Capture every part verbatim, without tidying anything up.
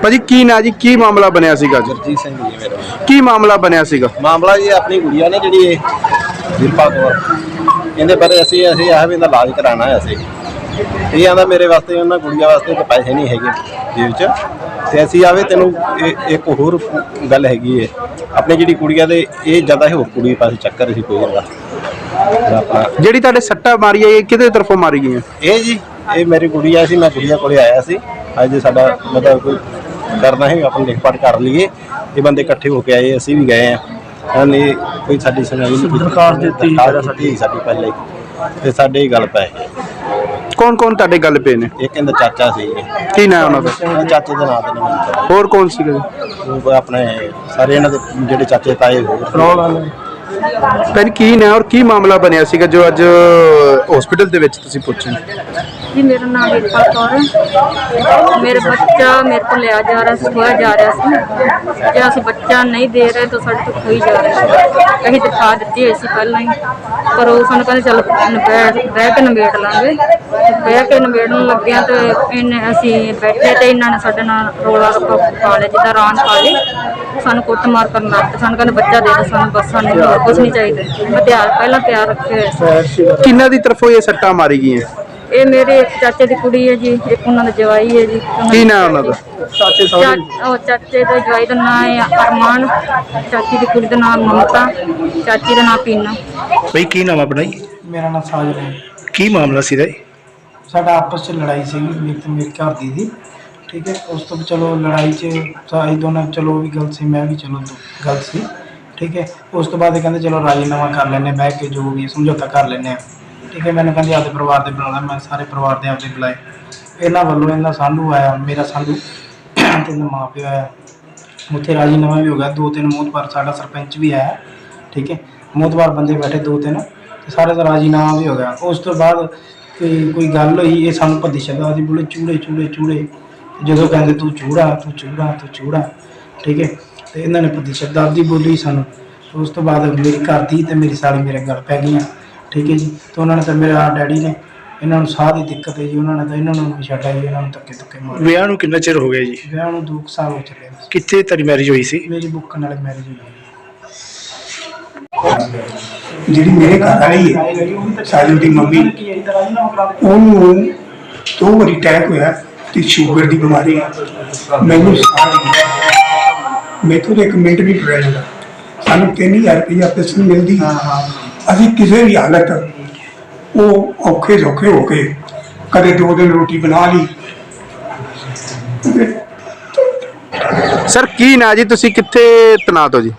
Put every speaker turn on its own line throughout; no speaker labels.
ਭਾਜੀ ਕੀ ਨਾ ਜੀ ਕੀ ਮਾਮਲਾ ਬਣਿਆ ਸੀਗਾ ਜੀ?
ਜਰਜੀਤ ਸਿੰਘ ਜੀ ਮੇਰਾ
ਕੀ ਮਾਮਲਾ ਬਣਿਆ ਸੀਗਾ?
ਮਾਮਲਾ ਜੀ ਆਪਣੀ ਗੁੜੀਆ ਨੇ ਜਿਹੜੀ ਇਹ ਦਿਲਪਾ ਕੌਰ, ਇਹਦੇ ਬਾਰੇ ਅਸੀਂ ਅਸੀਂ ਆਹ ਵੀ ਇਹਦਾ ਇਲਾਜ ਕਰਾਉਣਾ ਹੈ। ਅਸੀਂ ਇਹ ਆਂਦਾ ਮੇਰੇ ਵਾਸਤੇ ਉਹਨਾਂ ਗੁੜੀਆ ਵਾਸਤੇ ਤਾਂ ਪੈਸੇ ਨਹੀਂ ਹੈਗੇ ਜੇਬ 'ਚ, ਤੇ ਅਸੀਂ ਆਵੇ ਤੈਨੂੰ ਇੱਕ ਹੋਰ ਗੱਲ ਹੈਗੀ ਹੈ ਆਪਣੀ ਜਿਹੜੀ ਕੁੜੀਆਂ ਦੇ ਇਹ ਜ਼ਿਆਦਾ ਹੋਰ ਕੁੜੀ ਪਾਸੇ ਚੱਕਰ ਸੀ ਕੋਈ ਇਹਦਾ ਆਪਣਾ। ਜਿਹੜੀ
ਤੁਹਾਡੇ ਸੱਟਾਂ ਮਾਰੀ ਇਹ ਕਿਹਦੇ ਤਰਫੋਂ ਮਾਰੀ ਗਈਆਂ?
ਇਹ ਜੀ ਇਹ ਮੇਰੀ ਗੁੜੀਆ ਸੀ, ਮੈਂ ਗੁੜੀਆ ਕੋਲੇ ਆਇਆ ਸੀ ਅੱਜ ਸਾਡਾ ਮਤਲਬ ਕੋਈ ਕਰਨਾ ਹੈ ਆਪਣੀ ਲਿਖ ਪੜ੍ਹ ਕਰ ਲਈਏ। ਇਹ ਬੰਦੇ ਇਕੱਠੇ ਹੋ ਕੇ ਆਏ, ਅਸੀਂ ਵੀ ਗਏ ਹਾਂ ਨੇ ਕੋਈ ਸਾਡੀ ਸੁਣਾਈ ਨਹੀਂ, ਦਰਖਾਸਤ ਦਿੱਤੀ ਸਾਡੀ ਸਾਡੀ ਪਹਿਲੇ ਤੇ ਸਾਡੇ ਹੀ ਗੱਲ ਪੈ ਗਈ।
ਕੌਣ ਕੌਣ ਤੁਹਾਡੇ ਗੱਲ ਪਏ ਨੇ?
ਇੱਕ ਇਹਦਾ ਚਾਚਾ ਸੀ।
ਕੀ ਨਾਮ ਉਹਨਾਂ ਦਾ?
ਚਾਚੇ ਦੇ ਨਾਂ ਤੇ ਨਹੀਂ।
ਹੋਰ ਕੌਣ ਸੀਗੇ?
ਉਹ ਆਪਣੇ ਸਾਰੇ ਇਹਨਾਂ ਦੇ ਜਿਹੜੇ ਚਾਚੇ ਤਾਏ ਹੋਰ।
ਭੈਣ ਕੀ ਨਾ ਔਰ ਕੀ ਮਾਮਲਾ ਬਣਿਆ ਸੀਗਾ ਜੋ ਅੱਜ ਹਸਪੀਟਲ ਦੇ ਵਿੱਚ ਤੁਸੀਂ ਪੁੱਛੇ?
जी मेरा नाम वीरपा कौर है। मेरा बच्चा मेरे को लिया जा रहा है, खोया जा रहा है। जो अस बच्चा नहीं दे रहे तो साढ़े तो खोई जा रहा है। कहीं दिखा दी है पहला ही, पर वो सानू कहते चल बह के नबेड़ लाँगे। बह के नबेड़न लगे तो इन्हें असी बैठे तो इन्होंने साढ़े नाल रौला रप्पा पा लिया, जिदा रान पा ली। सानू कुट मार करन लग पे, सानू कहते बच्चा दे दो सानू, बस सानू कुछ नहीं चाहिए। हथियार पहला तैयार रखे।
किन्ना दी तरफों ये सट्टा मारी गई है?
ਇਹ ਮੇਰੇ ਇੱਕ ਚਾਚੇ ਦੀ ਕੁੜੀ ਹੈ ਜੀ, ਇੱਕ ਉਹਨਾਂ ਦਾ ਜਵਾਈ ਹੈ ਜੀ।
ਕੀ ਨਾਮ ਉਹਨਾਂ ਦਾ?
ਚਾਚੇ ਉਹ ਚਾਚੇ ਦਾ ਜਵਾਈ ਦਾ ਨਾਮ ਹੈ ਅਰਮਾਨ, ਚਾਚੀ ਦੀ ਕੁੜੀ ਦਾ ਨਾਮ ਮਮਤਾ, ਚਾਚੀ ਦਾ ਨਾਮ ਪੀਨਾ।
ਬਈ ਕੀ ਨਾਮ ਆਪਣਾ ਜੀ?
ਮੇਰਾ ਨਾਮ ਸਾਜਨ ਹੈ।
ਕੀ ਮਾਮਲਾ ਸੀ ਦਾ?
ਸਾਡਾ ਆਪਸ 'ਚ ਲੜਾਈ ਸੀਗੀ ਮੇਰੇ ਤੇ ਮੇਰੇ ਘਰ ਦੀ ਦੀ, ਠੀਕ ਹੈ। ਉਸ ਤੋਂ ਚਲੋ ਲੜਾਈ 'ਚ ਅਸੀਂ ਦੋਨਾਂ ਚਲੋ ਵੀ ਗਲਤ ਸੀ, ਮੈਂ ਵੀ ਚਲੋ ਗਲਤ ਸੀ, ਠੀਕ ਹੈ। ਉਸ ਤੋਂ ਬਾਅਦ ਕਹਿੰਦੇ ਚਲੋ ਰਾਜੀਨਾਮਾ ਕਰ ਲੈਂਦੇ, ਬਹਿ ਕੇ ਜੋ ਵੀ ਸਮਝੌਤਾ ਕਰ ਲੈਂਦੇ ਹਾਂ, ਠੀਕ ਹੈ। ਮੈਨੂੰ ਕਹਿੰਦੇ ਆਪਦੇ ਪਰਿਵਾਰ ਦੇ ਬੁਲਾਉਣਾ, ਮੈਂ ਸਾਰੇ ਪਰਿਵਾਰ ਦੇ ਆਪਦੇ ਬੁਲਾਏ। ਇਹਨਾਂ ਵੱਲੋਂ ਇਹਨਾਂ ਸਾਂਢੂ ਆਇਆ, ਮੇਰਾ ਸਾਂਢੂ ਤੇ ਮਾਂ ਪਿਓ ਆਇਆ। ਉੱਥੇ ਰਾਜੀਨਾਮਾ ਵੀ ਹੋ ਗਿਆ। ਦੋ ਤਿੰਨ ਮੋਹਤਬਾਰ, ਸਾਡਾ ਸਰਪੰਚ ਵੀ ਆਇਆ, ਠੀਕ ਹੈ। ਮੋਹਤਬਾਰ ਬੰਦੇ ਬੈਠੇ ਦੋ ਤਿੰਨ, ਤੇ ਸਾਰੇ ਦਾ ਰਾਜੀਨਾਮਾ ਵੀ ਹੋ ਗਿਆ। ਉਸ ਤੋਂ ਬਾਅਦ ਕੋਈ ਕੋਈ ਗੱਲ ਹੋਈ, ਇਹ ਸਾਨੂੰ ਭੱਦੀ ਸ਼ਬਦਾਂ ਦੀ ਬੋਲੇ ਚੂੜੇ ਚੂੜੇ ਚੂੜੇ। ਜਦੋਂ ਕਹਿੰਦੇ ਤੂੰ ਚੂੜਾ ਤੂੰ ਚੂੜਾ ਤੂੰ ਚੂੜਾ, ਠੀਕ ਹੈ। ਅਤੇ ਇਹਨਾਂ ਨੇ ਭੱਦੀ ਸ਼ਬਦਾਂ ਦੀ ਬੋਲੀ ਸਾਨੂੰ। ਉਸ ਤੋਂ ਬਾਅਦ ਮੇਰੀ ਘਰ ਦੀ ਅਤੇ ਮੇਰੀ ਸਾਲੀ ਮੇਰੇ ਗੱਲ ਪੈ ਗਈਆਂ, ਠੀਕ ਹੈ ਜੀ। ਤੇ ਉਹਨਾਂ ਨੇ ਤਾਂ ਮੇਰਾ ਡੈਡੀ ਨੇ ਇਹਨਾਂ ਨੂੰ ਸਾਹ ਦੀ ਦਿੱਕਤ ਹੈ ਜੀ, ਉਹਨਾਂ ਨੇ ਤਾਂ ਇਹਨਾਂ ਨੂੰ ਛੱਡਿਆ ਜੀ, ਇਹਨਾਂ ਨੂੰ ਧੱਕੇ ਧੱਕੇ ਮਾਰੇ।
ਵਿਆਹ ਨੂੰ ਕਿੰਨਾ ਚਿਰ ਹੋ ਗਿਆ ਜੀ?
ਵਿਆਹ ਨੂੰ ਦੋ ਸਾਲ ਹੋ ਚੱਲੇ।
ਕਿੱਥੇ ਤੇਰੀ ਮੈਰਿਜ ਹੋਈ ਸੀ?
ਮੇਰੀ ਬੁੱਕਣ ਵਾਲੀ ਮੈਰਿਜ ਹੋਈ।
ਜਿਹੜੀ ਮੇਰੇ ਘਰ ਵਾਲੀ ਹੈ ਸਾਜਨ ਦੀ ਮੰਮੀ, ਉਹਨੂੰ ਦੋ ਵਾਰੀ ਅਟੈਕ ਹੋਇਆ ਤੇ ਸ਼ੂਗਰ ਦੀ ਬਿਮਾਰੀ ਹੈ। ਮੈਨੂੰ ਮੈਥੋਂ ਤਾਂ ਇੱਕ ਮਿੰਟ ਨਹੀਂ ਟੁਰਿਆ ਜਾਂਦਾ। ਸਾਨੂੰ ਤਿੰਨ ਹਜ਼ਾਰ ਰੁਪਈਆ ਪੈਨਸ਼ਨ ਮਿਲਦੀ। ਅਸੀਂ ਕਿਸੇ ਵੀ ਹਾਲਤ ਉਹ ਔਖੇ ਸੌਖੇ ਹੋ ਕੇ ਕਦੇ ਦੋ ਦਿਨ ਰੋਟੀ ਬਣਾ ਲਈ।
ਸਰ ਕੀ ਨਾ ਜੀ, ਤੁਸੀਂ ਕਿੱਥੇ ਤੈਨਾਤ ਹੋ ਜੀ?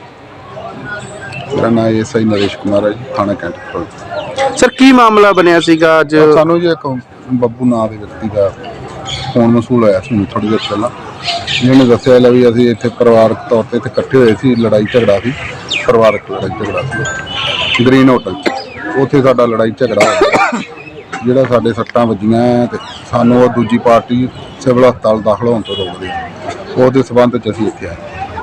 ਮੇਰਾ ਨਾਮ ਐਸ ਆਈ ਨਰੇਸ਼ ਕੁਮਾਰ ਹੈ ਜੀ, ਥਾਣਾ ਕੈਂਟ।
ਸਰ ਕੀ ਮਾਮਲਾ ਬਣਿਆ ਸੀਗਾ ਅੱਜ?
ਸਾਨੂੰ ਜੀ ਇੱਕ ਬੱਬੂ ਨਾਂ ਦੇ ਵਿਅਕਤੀ ਦਾ ਫੋਨ ਮਸੂਲ ਹੋਇਆ ਸੀ ਥੋੜ੍ਹੀ ਦੇਰ ਪਹਿਲਾਂ। ਜਿਹਨੇ ਦੱਸਿਆ ਲੈ ਵੀ ਅਸੀਂ ਇੱਥੇ ਪਰਿਵਾਰਕ ਤੌਰ 'ਤੇ ਇੱਥੇ ਇਕੱਠੇ ਹੋਏ ਸੀ, ਲੜਾਈ ਝਗੜਾ ਸੀ, ਪਰਿਵਾਰਕ ਲੜਾਈ ਝਗੜਾ ਸੀ ਗ੍ਰੀਨ ਹੋਟਲ 'ਚ। ਉੱਥੇ ਸਾਡਾ ਲੜਾਈ ਝਗੜਾ ਹੋ ਗਿਆ, ਜਿਹੜਾ ਸਾਡੇ ਸੱਟਾਂ ਵੱਜੀਆਂ ਅਤੇ ਸਾਨੂੰ ਉਹ ਦੂਜੀ ਪਾਰਟੀ ਸਿਵਲ ਹਸਪਤਾਲ ਦਾਖਲ ਹੋਣ ਤੋਂ ਰੋਕਦੇ। ਉਹਦੇ ਸਬੰਧ 'ਚ ਅਸੀਂ ਇੱਥੇ ਆਏ।